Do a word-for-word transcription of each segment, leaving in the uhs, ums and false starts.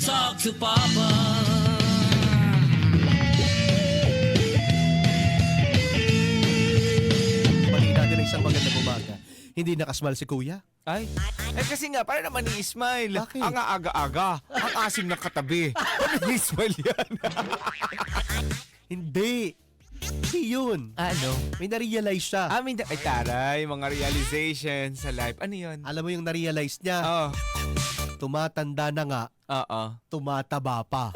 talk to Papa. Bali natin ang isang magandang umaga. Hindi nakasmal si Kuya. Ay, eh kasi nga, para naman ni-smile. Bakit? Ang aga-aga, ang asim ng katabi. Ano ni-smile yan? Hindi. Hindi yun. Ano? May narealize siya. Amin, ay taray, mga realization sa life. Ano yun? Alam mo yung narealize niya? Oo. Tumatanda na nga, Oo. tumataba pa.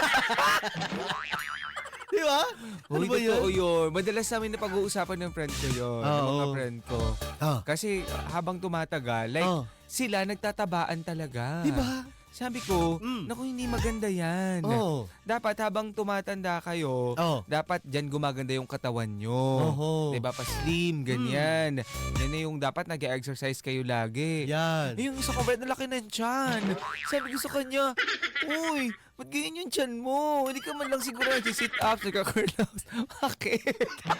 Di ba? Ano Uy, ba totoo yun? yun. Madalas namin na pag-uusapan ng friend ko yun. ng mga Oo. friend ko. Ah, Kasi habang tumatagal, like, Oh. sila nagtatabaan talaga. di ba? Sabi ko, Mm. naku, hindi maganda yan. Oo. Dapat habang tumatanda kayo, Oh. dapat dyan gumaganda yung katawan nyo. Oho. Diba? Pa-slim, ganyan. Yan na yung dapat nag-exercise kayo lagi. Yan. Eh, yung isa ko, Brad, na laki ng tiyan. Sabi ko sa kanya, uy, ba't ganyan yung tiyan mo? Hindi ka man lang siguro nag-sit up, nagka-curl-out. Bakit?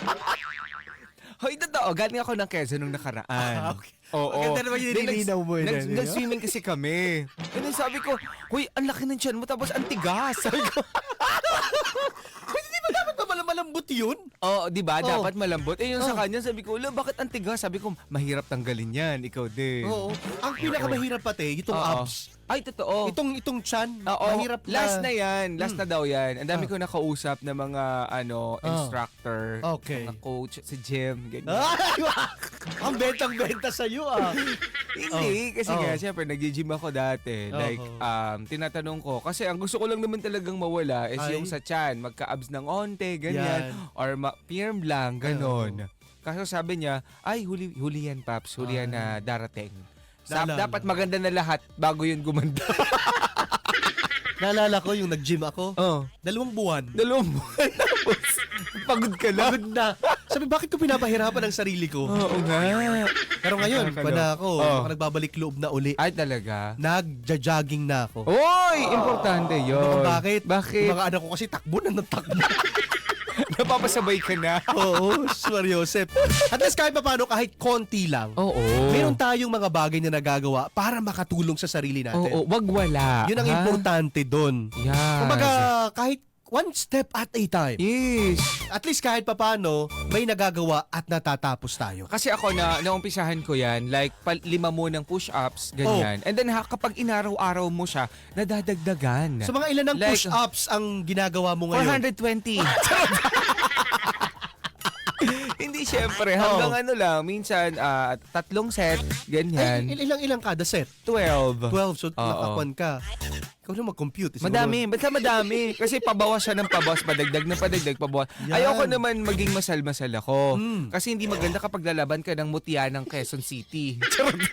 Hoy, totoo, galing ako ng Quezon nung nakaraan. Ah, okay. Oo. Maganda naman yung Then, nilinaw mo yun, nags- ano? Nag-swimming kasi kami. And then sabi ko, uy, ang laki ng tiyan mo, tapos ang tigas. Sabi ko, Pwede di ba dapat ba malam- malambot yun? oo, di ba? Oh. Dapat malambot. Eh, yung sa Oh. kanya, sabi ko, "Ula, bakit ang tigas?" Sabi ko, mahirap tanggalin yan. Ikaw din. Oo. Ang pinakamahirap pati, itong Oo. abs. Ay, totoo. Itong itong chan, Oo, mahirap na. last na yan. Last Mm. na daw yan. Ang dami Ah. ko nakausap na mga ano Ah. instructor, Okay. mga coach sa gym, ganyan. Ay, ang bentang-benta sa'yo ah. Hindi, kasi Oh. nga, siyempre, nag-gym ako dati. Oo. Like, um, tinatanong ko, kasi ang gusto ko lang naman talagang mawala is Ay. yung sa chan, magka-abs ng onte, ganyan, Yan. or ma- firm lang, ganon. Kaso sabi niya, ay, huli, huli yan, Paps, huli yan na darating. Sa- Naalala. dapat maganda na lahat bago yun gumanda. Naalala ko yung nag-gym ako, oh, dalawang buwan. dalawang buwan. Tapos, pagod ka lang. Pagod na. Sabi, bakit ko pinapahirapan ang sarili ko? Oo nga. Pero ngayon, Nakakalo. pa na ako, Oh. baka nagbabalik loob na uli. Ay, talaga? Nagja-jogging na ako. Oy! Importante Ano yun. kung bakit? Bakit? Yung mga anak ko kasi takbo na ng takbo. Napapasabay ka na. Oo, Sir Joseph. At least kahit pa paano, kahit konti lang, Oo. meron tayong mga bagay na nagagawa para makatulong sa sarili natin. Oo, wag wala. Yun ang ha? importante doon. Yes. Kumbaga, kahit one step at a time. Yes. At least kahit papano, may nagagawa at natatapos tayo. Kasi ako na, naumpisahan ko yan, like, pal- lima mo ng push-ups, ganyan. Oh. And then, ha, kapag inaraw-araw mo siya, nadadagdagan. So mga ilan ng Like, push-ups ang ginagawa mo ngayon? four hundred twenty. Hindi, syempre. Hanggang Oh. ano lang, minsan, ah, tatlong set, ganyan. Ay, il- ilang ilang kada set? twelve. twelve, so Oo. nakakuan ka. Ikaw na mag-compute. Siguro- Madami, basta madami. Kasi pabawas siya ng pabawas, padagdag ng padagdag, pabawas. Yan. Ayoko naman maging masal-masal ako. Mm. Kasi hindi maganda kapag lalaban ka ng mutya ng Quezon City.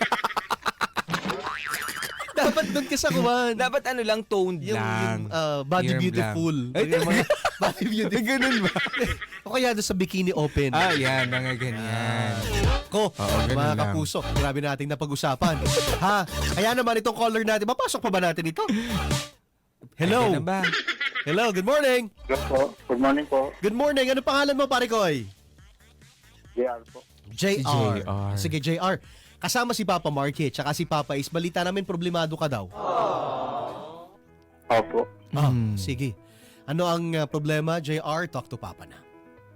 Dapat doon ka sa kuwan. Dapat ano lang, toned Yung, lang. yung uh, body Firm beautiful. Ay, Yung mga body beautiful. Ganun ba? O kaya doon sa bikini open. Ah, yan, mga ganyan. Ko, Oo, ganun mga lang. kapuso, grabe nating napag-usapan. Ha? Kaya naman itong caller natin, mapasok pa ba natin ito? Hello? Ay, ganun ba? Hello, good morning. Hello po. Good morning po. Good morning. Ano pangalan mo, pare Koy? J R po. J R. Si J R. Sige, J R. Kasama si Papa Marky, tsaka si Papa Is. Balita namin problemado ka daw. Opo. Ah, Mm. sige. Ano ang uh, problema, J R? Talk to Papa na.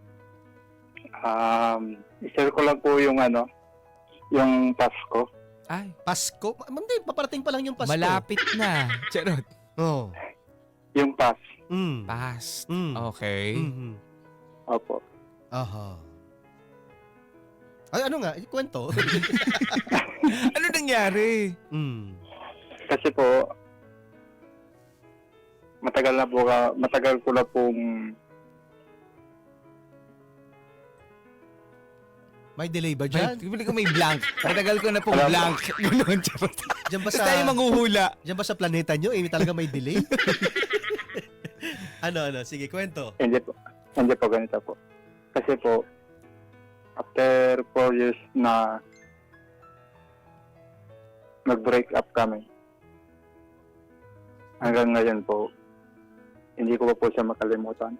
Um, i-share ko lang po yung ano, yung Pasko. Ay, Pasko? Ma- Hindi, paparating pa lang yung Pasko. malapit na. Charot. Oh. Yung Pas. Mm. Past. Mm. Okay. Mhm. Opo. Aha. Ay, ano nga? Kwento. Ano nangyari? mm. Kasi po, matagal na po ka, matagal ko na pong, May delay ba Diyan? dyan? Bili ko may blank. Matagal ko na pong Alam mo. blank. Ganun, charot. Diyan ba Basta sa, tayo manghuhula. diyan ba sa planeta nyo? Eh, talaga may delay? ano, ano? Sige, kwento. hindi po, hindi po ganito po. Kasi po, after four years na nag-break up kami, hanggang ngayon po, hindi ko pa po siya makalimutan.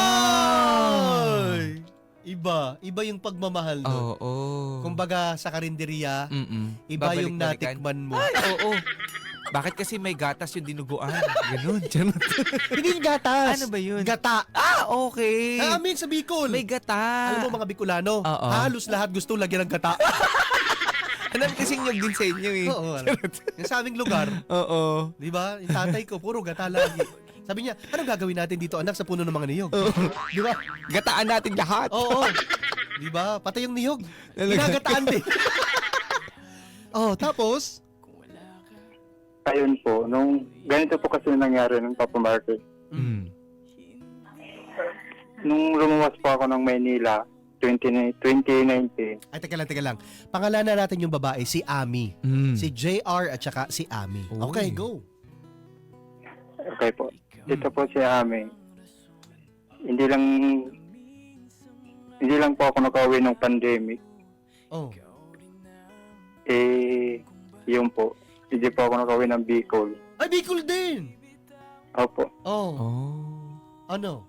Ay! Iba. Iba yung pagmamahal doon. Oo. Kumbaga, sa karinderiya, Mm-mm. iba yung Babalik-balikan. natikman mo. Ay, oo. Bakit kasi may gatas yung dinuguan? Ganun. Charot. Hindi yung gatas. Ano ba yun? Gata. Ah, okay. Namin sa Bicol. May gata. Alam mo mga Bicolano, Oo. halos lahat gusto lagyan ng gata. Alam kasing nyog din sa inyo eh. Oo, alam. Yung sa aming lugar, Oo. di ba? Yung tatay ko, puro gata lagi. Sabi niya, anong gagawin natin dito anak sa puno ng mga niyog? Di ba? Gataan natin lahat. Oo. Di ba? Pati yung niyog. Talaga. Ginagataan din. Oh, tapos, Ayun po, nung ganito po kasi nangyari ng Papa Market. Mm. Nung lumuwas po ako ng Maynila, twenty nineteen, ay teka lang, teka lang. Pangalanan natin yung babae, si Ami. Mm. Si J R at saka si Ami. Uy. Okay, go. okay po. Dito po si Ami. Hindi lang hindi lang po ako nakauwi ng pandemic. Oh. Eh, yun po. Hindi po ako nakauwi ng Bicol. Ay, Bicol din. Opo. Oh. Oh. Ano?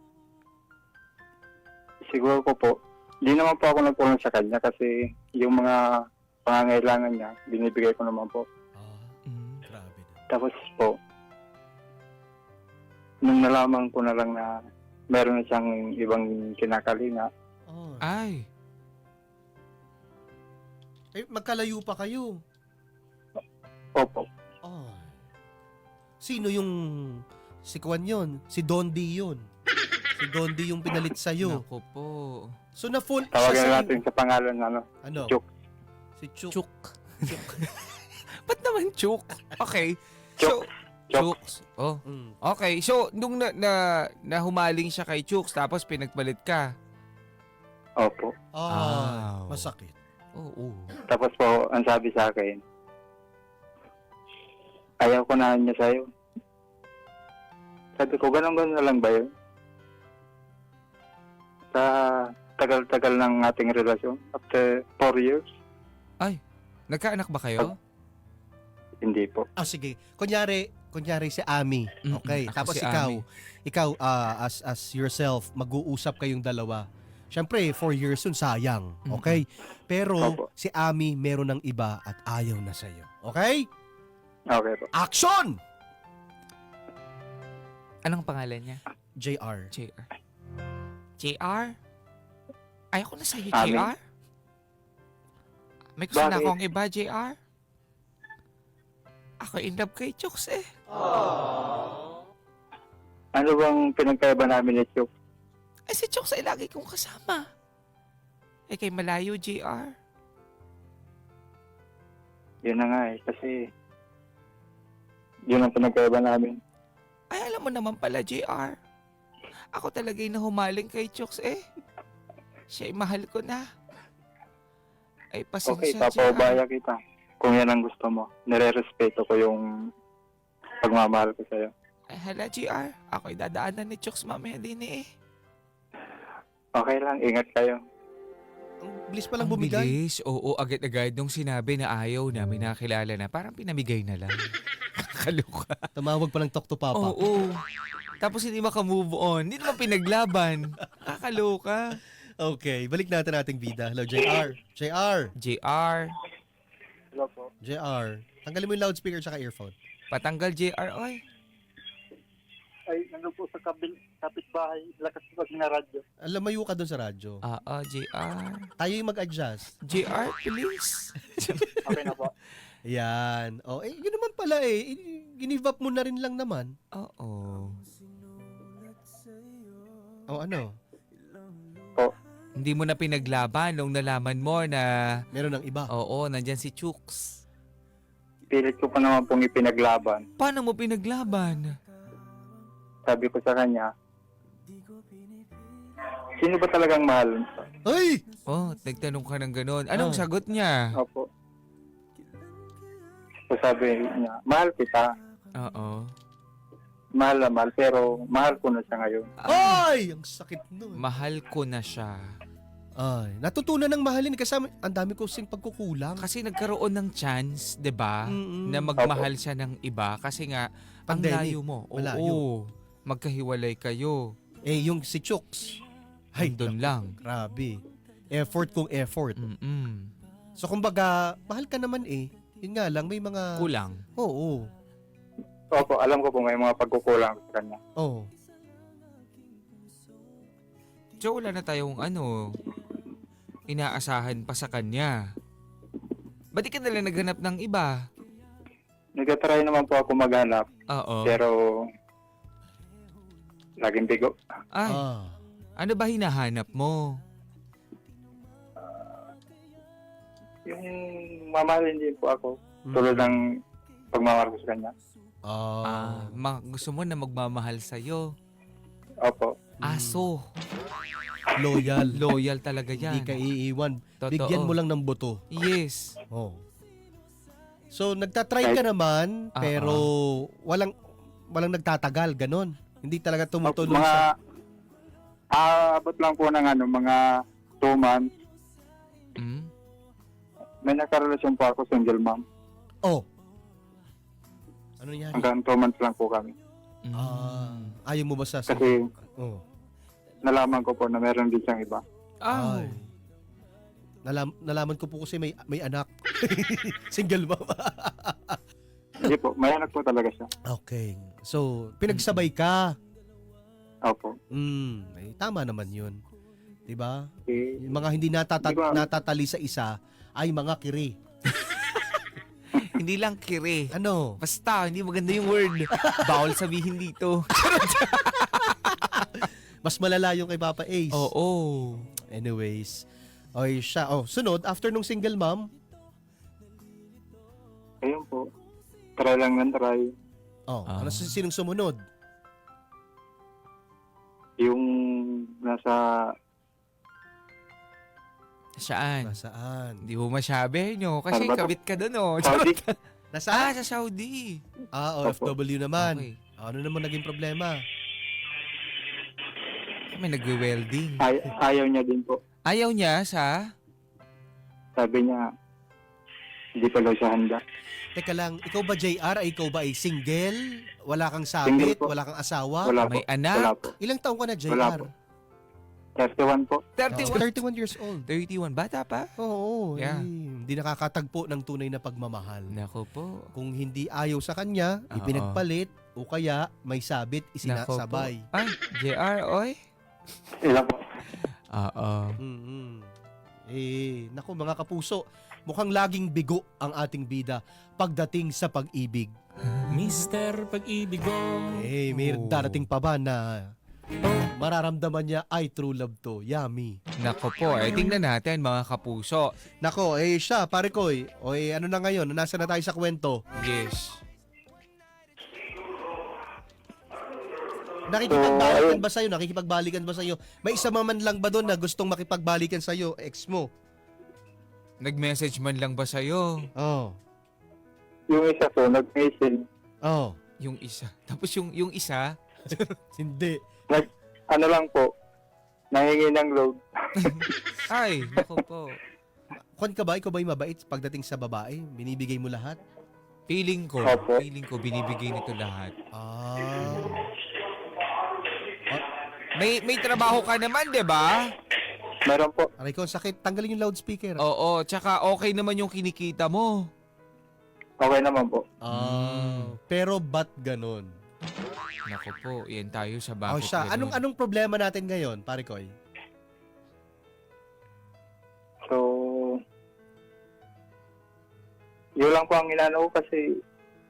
Siguro ko po, hindi naman po ako nagpulong sa kanya kasi yung mga pangangailangan niya, binibigay ko naman po. Ah, Mm. grabe na. Tapos po, nung nalaman ko na lang na meron na siyang ibang kinakalinga, Oh. Ay. Eh, magkalayo pa kayo. opo, Oh. Sino yung si Kwan yun? Si Dondi yun. Si Dondi yung pinalit sa'yo. Naku po. So na full tawagan siya na sa'yo. natin sa pangalan na ano, Ano? Chuk. Si Chuk. Chuk. Ba't naman chuk? Okay. Chuk. So, Chuk. Chuks. Oh. Mm. Okay. So, nung na, na, nahumaling siya kay Chuks, tapos pinagpalit ka. Opo. Ah, Ow. masakit. Oo. Tapos po, ang sabi sa akin, ayaw ko na niya sa'yo. Sabi ko, ganun-ganun na lang ba yun? Sa tagal-tagal ng ating relasyon, after four years, Nagkaanak ba kayo? hindi po. Ah, sige. Kunyari, kunyari si Ami. Mm-mm. Okay. Ako Tapos si ikaw, Ami. ikaw ah, as as yourself, mag-uusap kayong dalawa. Siyempre, four years yun, sayang. Okay? Pero Opo. si Ami meron ng iba at ayaw na sa'yo. Okay? Okay po. Action! Anong pangalan niya? J R. J R. J R? Ayoko na sa'yo, Ami. J R. May gusto na Bakit? akong iba, J R. Ako in love kay Chuks eh. Ano bang pinagkaiba namin ni Chuk? Eh si Chuks ay lagi kong kasama. Eh kay malayo, J R. Yun na nga eh, kasi yun ang pinagkaiba namin. Ay alam mo naman pala, J R. Ako talaga yung nahumaling kay Chuks eh. Siya ay mahal ko na. Ay Okay, pasensya, J R. papaubaya kita. Kung yan ang gusto mo, nire-respeto ko yung pagmamahal ko sa'yo. Ay hala, J R. Ako'y dadaanan ni Chuks mamaya din eh. Okay lang, ingat kayo. Ang bilis pa lang Ang bumigay. bilis. Oo, agad-agad nung sinabi na ayaw namin nakilala na, parang pinamigay na lang. Kaloka. Tumawag pa ng talk to Papa. Oo. Tapos hindi makamove on. Hindi naman pinaglaban. Kakaloka. Okay, balik natin ating bida. Hello, J R. J R. J R. Hello po. J R. Tanggalin mo yung loudspeaker tsaka earphone. Patanggal J R. Oy. Ay, nandun po sa kabil, kapitbahay, lakas pag na radyo. Alam, mayo ka dun sa radyo. Ah, ah, J R. Tayo yung mag-adjust. J R, please. Okay na po. Yan. Oh, eh, yun naman pala eh. I- Give up mo na rin lang naman. Oo. Oh, ano? Po, Hindi mo na pinaglaban nung nalaman mo na, Meron ng iba. oo, nandyan si Chuks. pilit ko pa naman pong ipinaglaban. Paano mo pinaglaban? Sabi ko sa kanya, sino ba talagang mahal? Ay! Oh, nagtanong ka ng ganun. Anong Oh. sagot niya? Opo. So sabi niya, mahal kita. Oo. Mahal na mahal, pero mahal ko na siya ngayon. Ay! Ang sakit nun. Mahal ko na siya. Ay, natutunan ng mahalin kasama. Ang dami ko sing pagkukulang. Kasi nagkaroon ng chance, 'di ba, Mm-mm. na magmahal siya ng iba kasi nga ang Pandemic. layo mo. Oo. Malayo. Magkahiwalay kayo. Eh, yung si Chooks. Ay, Doon naku, lang. Grabe. Effort kung effort. Mm-mm. So, kumbaga, mahal ka naman eh. Yun nga lang, may mga... Kulang. Oo. Opo, alam ko po may mga pagkukulang sa kanya. Oo. So, wala na tayong ano, inaasahan pa sa kanya. Ba't di ka nalang naghanap ng iba? Nagtatry naman po ako maghanap, Oo. pero laging bigo. Ay, Ah. ano ba hinahanap mo? Yung mamahalin din po ako, Mm. tulad ng pagmamahal ko sa kanya. Ah. Ah, ma- gusto mo na magmamahal sa'yo. Opo. Aso. Loyal. Loyal talaga Hindi yan. ka iiwan. Totoo. Bigyan mo lang ng buto. Yes. Oh. So, nagtatry ka naman, Ah, pero walang walang nagtatagal, ganon. Hindi talaga Opo, tumutuloy mga sa... aabot lang po ng ano, mga two months. Mm? May nakarelasyon po ako, single mom. Oh. Ano yan? Hanggang two months lang po kami. Mm. Ah, ayaw mo ba sa... Kasi Oh. nalaman ko po na meron din siyang iba. Ah. Ay. Nalam, nalaman ko po kasi may may anak. Single mom. Hindi po, may anak po talaga siya. Okay. So, pinagsabay ka. Opo. Mm, eh, tama naman 'yun. 'Di ba? Eh, Yung mga hindi natata- Di ba? natatali sa isa ay mga kiri. Hindi lang kiri. Ano? Basta, hindi maganda yung word. Bawal sabihin dito. Mas malala yung kay Papa Ace. Oo. Anyways. Okay siya. Oh, sunod, after nung single mom, ayun po. Try lang ng try. oh, Ah. ano si- sinong sumunod? Yung nasa, Saan? Nasaan? Hindi mo masabi nyo. Kasi Ano ba to? kabit ka doon, oh. Saudi. Ah, Nasaan? sa Saudi. Ah, O F W naman. Okay. Ano naman naging problema? May nagwe-welding. ay, ayaw niya din po. Ayaw niya sa... Sabi niya, hindi pa daw siya handa. Teka lang, ikaw ba J R? Ay, ikaw ba ay single? Wala kang Single sabit? po. Wala kang asawa? Wala po. May anak? Wala po. Ilang taong ka na, J R? Wala po. thirty-one po. thirty-one. thirty-one years old. thirty-one. Bata pa? Oo, Yeah. eh, hindi nakakatagpo ng tunay na pagmamahal. Nako po. Kung hindi ayaw sa kanya, Oo. ipinagpalit, o kaya may sabit, Nako po. isinasabay. Ay, J R, oy. Ilan po. Oo. Mm-hmm. Eh, naku mga kapuso, mukhang laging bigo ang ating bida pagdating sa pag-ibig. Mister Pag-ibig ko. Eh, may Oh. darating pa ba na mararamdaman niya ay true love to? Yummy. Nako po. Eh, tingnan natin mga kapuso. Nako, eh siya, pare ko, eh, o eh, ano na ngayon, nasa na tayo sa kwento. Yes. Nakikipagbalikan ayun. ba sa'yo? Nakikipagbalikan ba sa'yo? May isa man lang ba doon na gustong makipagbalikan sa'yo, ex mo? Nag-message man lang ba sa'yo? Oh. Yung isa po, nag-message. Oh. Yung isa. Tapos yung, yung isa, Hindi. Nag, ano lang po, nangingi ng load. ay, nako po. Kwan ka ba? Ikaw ba'y mabait pagdating sa babae? Binibigay mo lahat? Feeling ko, Opo. feeling ko binibigay nito lahat. Ah. May may trabaho ka naman, 'di ba? Meron po. Aray ko, sakit. Tanggalin yung loudspeaker. Oo, tsaka okay naman yung kinikita mo. Okay naman po. Ah. Pero ba't ganon? Nako po, yan tayo sa Oh, bakit siya. ganun. Anong anong problema natin ngayon, pare Koy? So, yun lang po ang inano ko kasi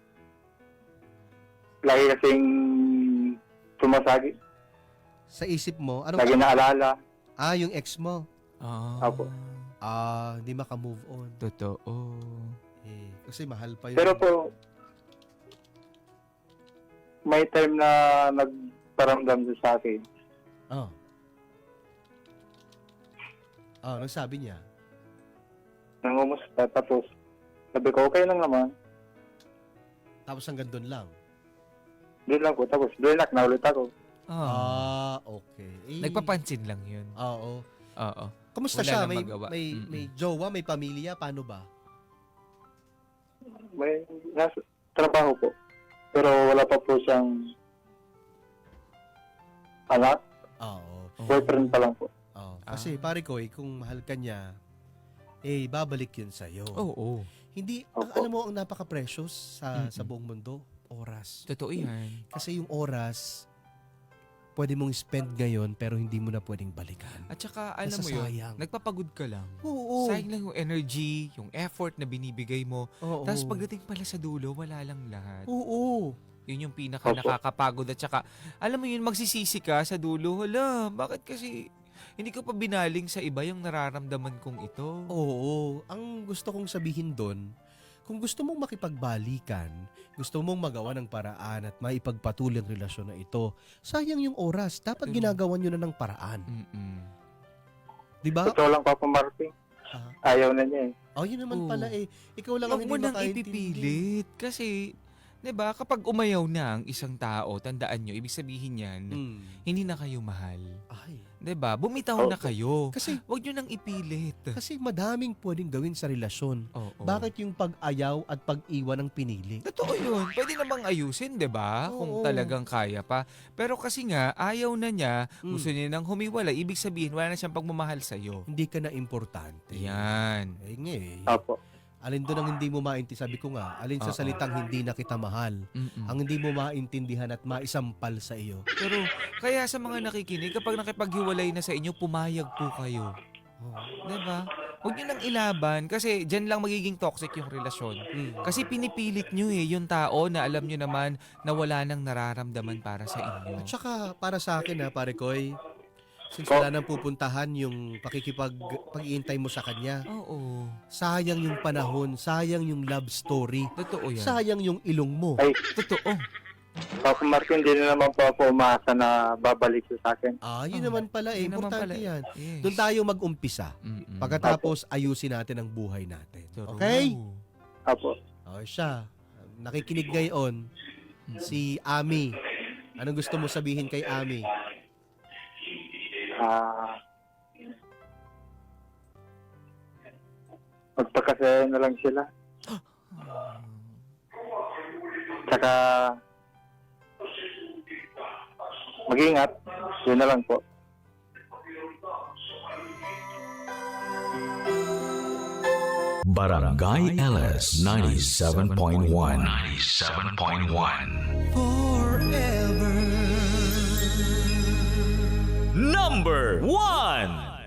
lagi kasing sumasagi. Sa isip mo, ano Lagi naalala. Ah, yung ex mo. Ah, Apo. Ah, hindi maka-move on. totoo. Eh, kasi mahal pa yun. Pero po, may time na nagparamdam siya sa akin. Oh. Oh, ano sabi niya? Nangumusta. Tapos, sabi ko, okay lang naman. Tapos hanggang doon lang. Doon lang po. Tapos, blinak na ulit ako. Ah, Ah, okay. Eh, nagpapansin lang yun. Oo. Oo. Kumusta Wala siya? nang May, magawa. may, Mm-mm. may jowa, may pamilya? Paano ba? May nasa trabaho po. Pero wala pa po siyang anak. Oo. Boyfriend pa lang po. Oo. Kasi Ah. pare ko, eh, kung mahal ka niya, eh, babalik yun sa'yo. Oo. Hindi, ang, Opo. alam mo, ang napaka-precious sa, Mm-mm. sa buong mundo, oras. Totoo yan. Kasi yung oras, pwede mong spend ngayon pero hindi mo na pwedeng balikan. At saka, alam mo Nasasayang. yun, nagpapagod ka lang. Oo. Sayang lang yung energy, yung effort na binibigay mo. Oo. Tapos pagdating pala sa dulo, wala lang lahat. Oo. Yun yung pinaka Opo. nakakapagod. At saka, alam mo yun, magsisisi ka sa dulo. Hala, bakit kasi hindi ko pa binaling sa iba yung nararamdaman kong ito? Oo. Ang gusto kong sabihin doon, kung gusto mong makipagbalikan, gusto mong magawa ng paraan at maipagpatuloy ang relasyon na ito, sayang yung oras. Dapat Mm. ginagawa nyo na ng paraan. Mm-mm. Di ba? Totoo lang, Papa Martin. Ah. Ayaw na niya eh. Oh, yun naman Oo. pala eh. Ikaw lang ang Huwag hindi mo nang makaintindi. ipipilit. Kasi, 'di ba, kapag umayaw na ang isang tao, tandaan nyo, ibig sabihin yan, Mm. hindi na kayo mahal. Ay. 'Di ba? Bumitaw na Opo. kayo. Kasi, Huwag nyo nang ipilit. kasi madaming pwedeng gawin sa relasyon. Oo. Bakit yung pag-ayaw at pag-iwan ang pinili? Totoo yun. Pwede namang ayusin, 'di ba? Kung Oo. talagang kaya pa. Pero kasi nga, ayaw na niya, Mm. gusto niya nang humiwalay. Ibig sabihin, wala na siyang pagmamahal sa'yo. Hindi ka na importante. Yan. Eh, nga eh. Opo. Alin doon ang hindi mo maintindihan? Sabi ko nga, alin sa Oo. salitang hindi na kita mahal. Mm-mm. Ang hindi mo maintindihan at maisampal sa iyo. Pero, kaya sa mga nakikinig, kapag nakipaghiwalay na sa inyo, pumayag po kayo. Oh. 'Di ba? Huwag niyo nang ilaban kasi diyan lang magiging toxic yung relasyon. Mm. Kasi pinipilit niyo eh yung tao na alam niyo naman na wala nang nararamdaman para sa inyo. At saka, para sa akin ha, pare Koy, since Oh. wala nang pupuntahan yung pakikipag pag-iintay mo sa kanya, Oo. sayang yung panahon, sayang yung love story, Totoo yan. sayang yung ilong mo. Ay, Totoo. Papa Martin, hindi na naman po ako umasa na babalik siya sa akin. Ah, yun Oh, naman pala eh. yun naman Importante pala. yan. Yes. Doon tayo mag-umpisa. Mm-mm. Pagkatapos, ayusin natin ang buhay natin. True. Okay? Opo. O siya, nakikinig ngayon, si Ami. Anong gusto mo sabihin kay Ami? Ah... magpakasaya na lang sila. Tsaka... mag-ingat. Yun na lang po. Barangay L S ninety-seven point one. ninety-seven point one. Number one.